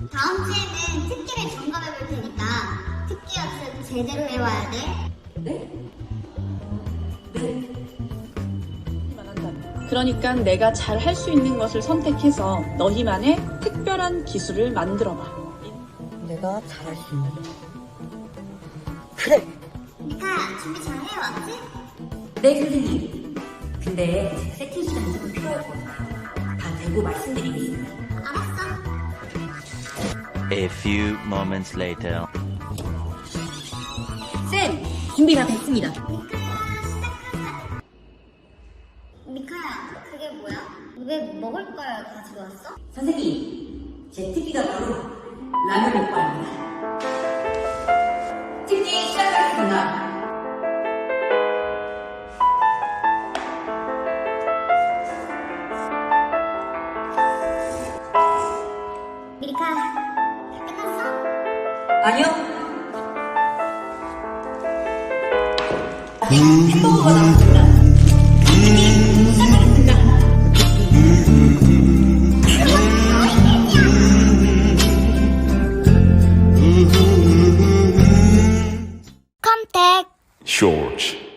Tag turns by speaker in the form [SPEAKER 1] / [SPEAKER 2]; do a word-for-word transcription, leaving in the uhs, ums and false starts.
[SPEAKER 1] 다음 주에는 특기를 점검해 볼 테니까 특기 연습 제대로 해와야 돼.
[SPEAKER 2] 네? 네.
[SPEAKER 3] 그러니까 내가 잘 할 수 있는 것을 선택해서 너희만의 특별한 기술을 만들어봐.
[SPEAKER 2] 내가 잘할 수 있는 거. 그래!
[SPEAKER 1] 미카야, 준비 잘 해왔지?
[SPEAKER 2] 네, 선생님. 근데 제가 세팅 시간이 조금 필요할 것 같아요. 다 되고 말씀드리겠습니다.
[SPEAKER 1] 알았어.
[SPEAKER 4] A few moments later.
[SPEAKER 2] 쌤! 준비 다 됐습니다.
[SPEAKER 1] 미카야, 그게 뭐야? 왜 먹을 걸 가지고 왔어?
[SPEAKER 2] 선생님, 제 특기가 바로 라면 먹방입니다. 특기 시작하겠습니다.
[SPEAKER 1] 미카, 다 끝났어?
[SPEAKER 2] 아니요. 아직 햄버거가 남았습니다. 특기 시작하겠습니다.
[SPEAKER 1] 컴택
[SPEAKER 5] George.